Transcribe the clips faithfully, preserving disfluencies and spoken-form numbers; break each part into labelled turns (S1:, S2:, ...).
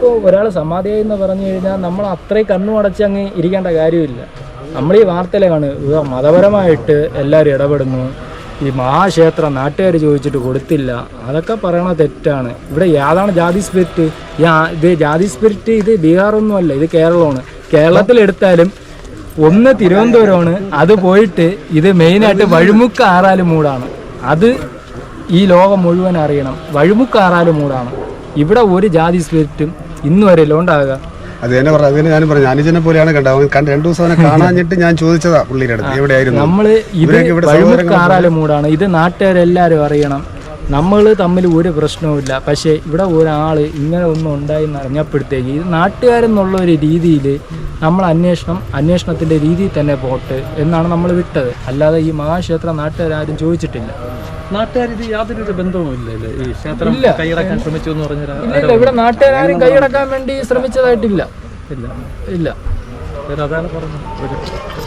S1: നമ്മളിപ്പോൾ ഒരാൾ സമാധിയായി എന്ന് പറഞ്ഞു കഴിഞ്ഞാൽ നമ്മൾ അത്രയും കണ്ണു അടച്ച് അങ്ങ് ഇരിക്കേണ്ട കാര്യമില്ല. നമ്മൾ ഈ വാർത്തയിലെ കാണുക മതപരമായിട്ട് എല്ലാവരും ഇടപെടുന്നു, ഈ മഹാക്ഷേത്രം നാട്ടുകാർ ചോദിച്ചിട്ട് കൊടുത്തില്ല, അതൊക്കെ പറയണ തെറ്റാണ്. ഇവിടെ യാതാണ് ജാതി സ്പിരിറ്റ്? ഇത് ജാതി സ്പിരിറ്റ് ഇത് ബീഹാറൊന്നും അല്ല, ഇത് കേരളമാണ്. കേരളത്തിലെടുത്താലും ഒന്ന് തിരുവനന്തപുരമാണ്, അത് പോയിട്ട് ഇത് മെയിനായിട്ട് വഴിമുക്ക് ആറാല് മൂടാണ്. അത് ഈ ലോകം മുഴുവൻ അറിയണം, വഴിമുക്ക് ആറാല് മൂടാണ്. ഇവിടെ ഒരു ജാതി സ്പിരിറ്റും ഇന്ന് വരെ ഉണ്ടാകുക.
S2: അത് തന്നെ പറഞ്ഞു, അതിന് ഞാൻ പറഞ്ഞു അനുജനെ പോലെയാണ് കണ്ടത്. കണ്ട് രണ്ടു ദിവസം അവനെ കാണാഞ്ഞിട്ട് ഞാൻ ചോദിച്ചതാ പുള്ളിയുടെ അടുത്ത് എവിടെയായിരുന്നു.
S1: നമ്മള് ഇത് വഴിമുക്ക് ആറാല് മൂടാണ്, ഇത് നാട്ടുകാരെല്ലാവരും അറിയണം. നമ്മൾ തമ്മിൽ ഒരു പ്രശ്നവുമില്ല. പക്ഷേ ഇവിടെ ഒരാൾ ഇങ്ങനെ ഒന്നും ഉണ്ടായി എന്ന് അറിഞ്ഞപ്പോഴത്തേക്ക് ഇത് നാട്ടുകാരെന്നുള്ള ഒരു രീതിയിൽ നമ്മൾ അന്വേഷണം അന്വേഷണത്തിൻ്റെ രീതിയിൽ തന്നെ പോട്ട് എന്നാണ് നമ്മൾ വിട്ടത്. അല്ലാതെ ഈ മഹാക്ഷേത്രം നാട്ടുകാരും ചോദിച്ചിട്ടില്ല.
S3: നാട്ടുകാർ ഇത് യാതൊരു ബന്ധവുമില്ല ഈ ക്ഷേത്രം കൈയടക്കാൻ ശ്രമിച്ചു എന്ന് പറഞ്ഞാൽ.
S1: ഇല്ല, ഇവിടെ നാട്ടുകാരും കൈയടക്കാൻ വേണ്ടി ശ്രമിച്ചതായിട്ടില്ല. ഇല്ല ഇല്ല
S3: അതാണ് പറഞ്ഞത്.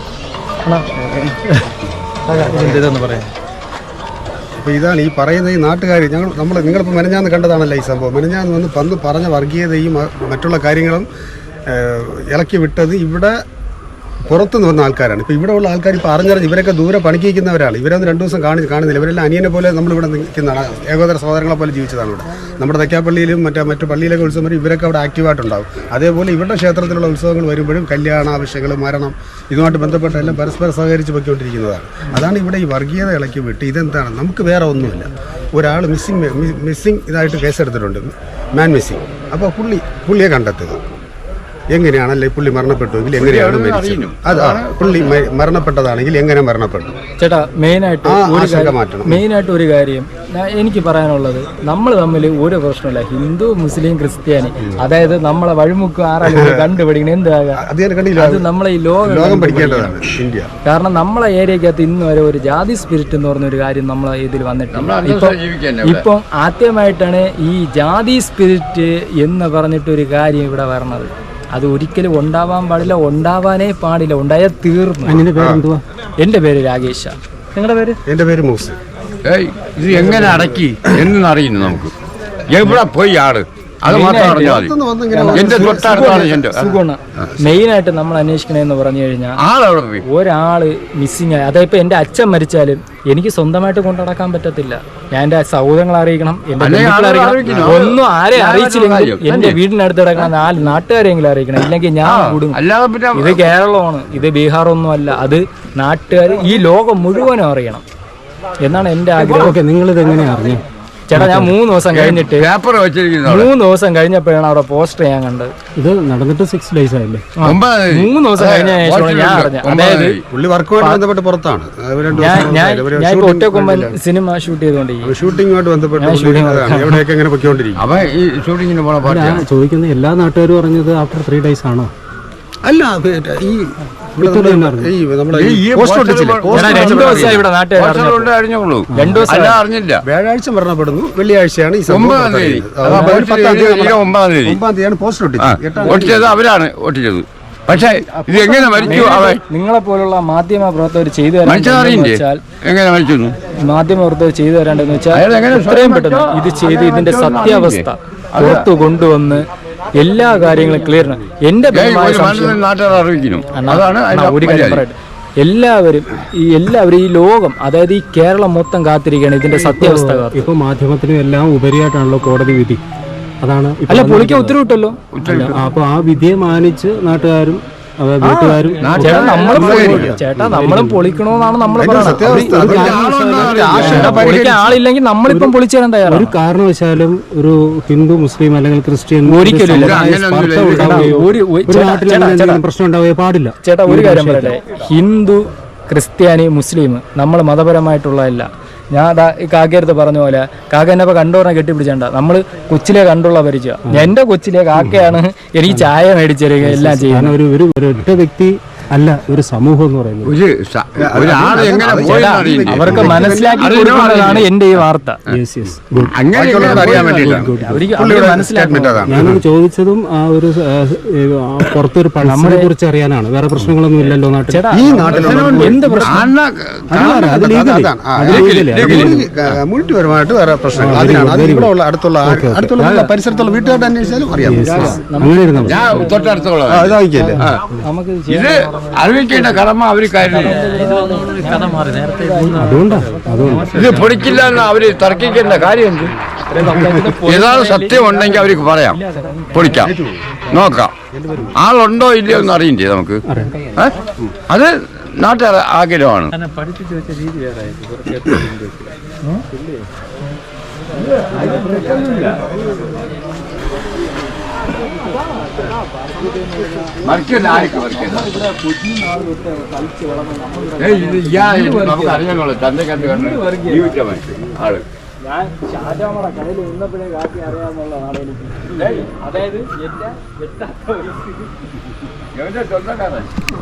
S3: ഇതെന്ന് പറയാം.
S2: അപ്പോൾ ഇതാണ് ഈ പറയുന്ന ഈ നാട്ടുകാർ. ഞങ്ങൾ നമ്മൾ നിങ്ങളിപ്പോൾ മെനഞ്ഞാന്ന് കണ്ടതാണല്ലോ ഈ സംഭവം. മെനഞ്ഞാന്ന് വന്ന് പന്ന് പറഞ്ഞ വർഗീയതയും മറ്റുള്ള കാര്യങ്ങളും ഇളക്കി വിട്ടത് ഇവിടെ പുറത്തുനിന്ന് വന്ന ആൾക്കാരാണ്. ഇപ്പോൾ ഇവിടെ ഉള്ള ആൾക്കാർ ഇപ്പോൾ അറിഞ്ഞറിഞ്ഞ് ഇവരൊക്കെ ദൂരെ പണിക്കിരിക്കുന്നവരാണ്. ഇവരൊന്നും രണ്ടു ദിവസം കാണി കാണുന്നില്ല ഇവരെല്ലാം അനിയനെ പോലെ നമ്മളിവിടെ നിൽക്കുന്നതാണ്, ഏകോദര സഹോദരങ്ങളെ പോലെ ജീവിച്ചതാണ് ഇവിടെ. നമ്മുടെ തെക്കാപ്പള്ളിയിലും മറ്റേ മറ്റു പള്ളിയിലൊക്കെ ഉത്സവം വരും, ഇവരൊക്കെ അവിടെ ആക്റ്റീവായിട്ടുണ്ടാവും. അതേപോലെ ഇവരുടെ ക്ഷേത്രത്തിലുള്ള ഉത്സവങ്ങൾ വരുമ്പോഴും കല്യാണ ആവശ്യങ്ങൾ, മരണം, ഇതുമായിട്ട് ബന്ധപ്പെട്ട എല്ലാം പരസ്പരം സഹകരിച്ച് പൊയ്ക്കൊണ്ടിരിക്കുന്നതാണ്. അതാണ് ഇവിടെ ഈ വർഗീയത ഇളക്കി വിട്ട് ഇതെന്താണ്, നമുക്ക് വേറെ ഒന്നുമില്ല. ഒരാൾ മിസ്സിങ് മിസ്സിങ് ഇതായിട്ട് കേസെടുത്തിട്ടുണ്ട്, മാൻ മിസ്സിങ്. അപ്പോൾ പുള്ളി പുള്ളിയെ കണ്ടെത്തുക. എങ്ങനെയാണല്ലേ പുള്ളി മരണപ്പെട്ടുവെങ്കിൽ എങ്ങനെയാണ് മരിച്ചത്, അതാണ് പുള്ളി മരണപ്പെട്ടതാണെങ്കിൽ എങ്ങനെ മരണപ്പെട്ടു.
S1: ചേട്ടാ മെയിനായിട്ട് മെയിനായിട്ട് ഒരു കാര്യം എനിക്ക് പറയാനുള്ളത്, നമ്മൾ തമ്മിൽ ഒരു പ്രശ്നമില്ല. ഹിന്ദു മുസ്ലിം ക്രിസ്ത്യാനി, അതായത് നമ്മളെ വഴിമുക്ക് ആറാലും കണ്ടുപിടിക്കണം എന്താകാം, അത് നമ്മളെ ഈ ലോകം
S2: പഠിക്കേണ്ടതാണ് ഇന്ത്യ.
S1: കാരണം നമ്മളെ ഏരിയക്കകത്ത് ഇന്ന് വരെ ഒരു ജാതി സ്പിരിറ്റ് എന്ന് പറഞ്ഞൊരു കാര്യം നമ്മളെ ഇതിൽ വന്നിട്ടില്ല. ഇപ്പം ഇപ്പം ആദ്യമായിട്ടാണ് ഈ ജാതി സ്പിരിറ്റ് എന്ന് പറഞ്ഞിട്ടൊരു കാര്യം ഇവിടെ വരണത്. അത് ഒരിക്കലും ഉണ്ടാവാൻ പാടില്ല, ഉണ്ടാവാനേ പാടില്ല, ഉണ്ടായാൽ തീർന്നു.
S3: അതിന്റെ പേരെന്തുവാ?
S1: എൻ്റെ പേര് രാകേഷ. നിങ്ങളുടെ പേര്?
S2: എൻ്റെ പേര് മൂസ്.
S4: ഇത് എങ്ങനെ അടക്കി എന്നറിയുന്നു നമുക്ക്. എവിടെ പോയി ആള് അത് മാത്രം അറിഞ്ഞാൽ മതി. എന്റെ തൊട്ടടുത്താണ് എന്റെ
S1: സുഖമാണ്. മെയിനായിട്ട് നമ്മൾ അന്വേഷിക്കണമെന്ന് പറഞ്ഞു കഴിഞ്ഞാൽ
S4: ആളവിടെ പോയി
S1: ഒരാള് മിസ്സിങ് ആയി. അതായത് ഇപ്പൊ എന്റെ അച്ഛൻ മരിച്ചാലും എനിക്ക് സ്വന്തമായിട്ട് കൊണ്ടുനടക്കാൻ പറ്റത്തില്ല. ഞാൻ എന്റെ സഹോദരങ്ങളെ അറിയിക്കണം, എന്റെ ബന്ധുക്കളെ അറിയിക്കണം. ഒന്നും ആരെ അറിയിച്ചില്ലെങ്കിൽ എന്റെ വീടിനടുത്ത് കിടക്കണം നാല് നാട്ടുകാരെങ്കിലും അറിയിക്കണം, ഇല്ലെങ്കിൽ ഞാൻ കൂടും. ഇത് കേരളമാണ്, ഇത് ബീഹാർ ഒന്നും അല്ല. അത് നാട്ടുകാർ ഈ ലോകം മുഴുവനും അറിയണം എന്നാണ് എന്റെ ആഗ്രഹം.
S3: നിങ്ങളിത് എങ്ങനെയാ അറിഞ്ഞു?
S1: ചേട്ടാ ഞാൻ മൂന്ന് ദിവസം കഴിഞ്ഞിട്ട് മൂന്ന് ദിവസം കഴിഞ്ഞപ്പോഴാണ് അവിടെ പോസ്റ്റർ ഞാൻ കണ്ടത്.
S3: ഇത് നടന്നിട്ട് സിക്സ് ഡേയ്സ് ആയില്ലേ?
S1: മൂന്ന് ദിവസം കഴിഞ്ഞ ശേഷമാണ് ഞാൻ അറിഞ്ഞത്. അതായത്
S2: പുള്ളി വർക്കുമായിട്ട് ബന്ധപ്പെട്ട് പുറത്താണ്.
S1: ഞാൻ ഇപ്പൊ ഒറ്റക്കൊമ്പൻ സിനിമ ഷൂട്ട് ചെയ്തുകൊണ്ടിരിക്കും.
S2: ഷൂട്ടിങ്ങുമായിട്ട് ബന്ധപ്പെട്ട് എവിടെയൊക്കെ എങ്ങനെ പൊയ്ക്കൊണ്ടിരിക്കും.
S4: അപ്പൊ ഈ ഷൂട്ടിങ്ങിന് പോണ
S3: ചോദിക്കുന്നത് എല്ലാ നാട്ടുകാരും പറഞ്ഞത് ആഫ്റ്റർ ത്രീ ഡേയ്സ് ആണോ?
S2: അല്ല, ഈ വ്യാഴാഴ്ച മരണപ്പെടുന്നു, വെള്ളിയാഴ്ചയാണ് ഈ
S4: ഒമ്പതാം തീയതി
S2: ഒമ്പതാം തീയതിയാണ് പോസ്റ്റർ
S4: ഒട്ടിച്ചത്. അവരാണ് ഒട്ടിച്ചത്. പക്ഷേ ഇത് എങ്ങനെ മരിച്ചു?
S1: നിങ്ങളെ പോലുള്ള മാധ്യമ പ്രവർത്തകർ ചെയ്തു
S4: തരാൻ എങ്ങനെ മരിച്ചു?
S1: മാധ്യമ പ്രവർത്തകർ ചെയ്തു തരാണ്ടെന്ന് വെച്ചാൽ എത്രയും പെട്ടെന്ന് ഇത് ചെയ്ത് ഇതിന്റെ സത്യാവസ്ഥ പുറത്തു കൊണ്ടുവന്ന് എല്ലാ കാര്യങ്ങളും ക്ലിയർ. എന്റെ ഒരു കാര്യം പറയട്ടെ, എല്ലാവരും ഈ എല്ലാവരും ഈ ലോകം, അതായത് ഈ കേരളം മൊത്തം കാത്തിരിക്കുകയാണ് ഇതിന്റെ സത്യാവസ്ഥ.
S3: ഇപ്പൊ മാധ്യമത്തിനും എല്ലാം ഉപരിയായിട്ടാണല്ലോ കോടതി വിധി. അതാണ്
S1: അല്ല, പൊളിക്കാൻ ഉത്തരവിട്ടല്ലോ.
S3: അപ്പൊ ആ വിധിയെ മാനിച്ച് നാട്ടുകാരും വീട്ടുകാരും
S1: ചേട്ടാ നമ്മളും പൊളിക്കണോന്നാണ് നമ്മൾ പറയുന്നത്. ആളില്ലെങ്കിൽ നമ്മളിപ്പം പൊളിച്ചു തരാൻ തയ്യാറാണ്.
S3: ഒരു കാരണവശാലും ഒരു ഹിന്ദു മുസ്ലിം അല്ലെങ്കിൽ ക്രിസ്ത്യൻ
S1: ഒരിക്കലും
S3: പ്രശ്നം ഉണ്ടാവുകയോ പാടില്ല.
S1: ചേട്ടാ ഒരു കാര്യം പറയട്ടെ, ഹിന്ദു ക്രിസ്ത്യാനി മുസ്ലിം നമ്മൾ മതപരമായിട്ടുള്ളതല്ല. ഞാൻ അതാ ഈ കാക്കയടുത്ത് പറഞ്ഞ പോലെ കാക്ക എന്നെ കണ്ടോറിനെ കെട്ടിപ്പിടിച്ചേണ്ട. നമ്മൾ കൊച്ചിലെ കണ്ടുള്ള പരിചയം. എന്റെ കൊച്ചിലെ കാക്കയാണ് എനിക്ക് ചായ മേടിച്ചെടുക്കുക എല്ലാം ചെയ്യുന്നത്.
S3: ഒരു ഒറ്റ വ്യക്തി
S5: അല്ല ഒരു സമൂഹം എന്ന് പറയുന്നത്.
S4: ഒരു സ- ഒരാൾ എങ്ങനെ പോയെന്ന് അറിയില്ല.
S1: അവർക്ക് മനസ്സിലാക്കി കൊടുക്കുന്നതാണ് എന്റെ ഈ വാർത്ത.
S5: Yes yes good.
S4: അങ്ങനെ എങ്ങനെ
S2: അറിയാൻ
S4: പോയെന്ന്
S2: വേണ്ടിയിട്ടാണ്
S1: അവർക്ക് അവര് മനസ്സിലാക്കണം.
S2: അതാണ്.
S5: ഞാനത് ചോദിച്ചതും ആ ഒരു ആ, ഏ, ആ, പുറത്തൊരു പൾസിനെ കുറിച്ച് അറിയാനാണ്. വേറെ പ്രശ്നങ്ങളൊന്നും ഇല്ലല്ലോ നാട്ടിൽ.
S1: ചേട്ടാ
S2: ഈ നാട്ടിലുള്ള
S1: എന്ത് പ്രശ്നം?
S4: അണ്ണ
S5: അതാണ്, അത് legally.
S2: അതാണ്. ആ,
S5: അത് legally. അത് legally.
S2: മുഴുവൻപരമായിട്ട് വേറെ പ്രശ്നങ്ങൾ അതിനാണ്. അത് ഇവിടെ ഉള്ള അടുത്തുള്ള ആ- അടുത്തുള്ള എല്ലാ പരിസരത്തുള്ള വീട്ടുകാരുടെ അന്വേഷിച്ചാലും അറിയാം.
S5: അങ്ങനെ ഇരുന്നാൽ മതി.
S4: ഞാൻ തൊട്ടടുത്തുള്ള
S2: ആ, ഇതാക്കിയല്ലേ
S1: നമുക്ക്
S4: ഇത് അറിയിക്കേണ്ട കടമ അവർ കരുതി.
S3: കഥ മാറി നേരത്തെ മൂന്ന്
S5: അതുകൊണ്ടാ അതുകൊണ്ട്
S4: ഇത് പൊടിക്കില്ല എന്ന് അവര് തർക്കിക്കേണ്ട കാര്യം എന്ത്? ഏതാണ് സത്യം ഉണ്ടെങ്കിൽ അവർക്ക് പറയാം, പൊടിക്കാം, നോക്കാം. ആളുണ്ടോ ഇല്ലയോ എന്ന് അറിയണ്ടേ നമുക്ക്? ഏ? അത് നാട്ടുകാർ ആഗ്രഹമാണ്.
S3: തന്നെ പഠിപ്പിച്ചു വെച്ച രീതി വേറെ ആയിരുന്നു. കുറച്ച് എത്ര
S4: നമുക്ക് അറിയാനുള്ള തന്നെ കണ്ട് കണ്ട് ജീവിച്ച മനുഷ്യൻ ആള്.
S1: ഞാൻ ഷാജാമയുടെ കടയിൽ നിന്നപ്പോഴേ കാട്ടി അറിയാമെന്നുള്ളതാണ് എനിക്ക്. അതായത് എന്റെ എത്താത്ത ഒരു
S4: എവന്റെ സ്വന്തക്കാരൻ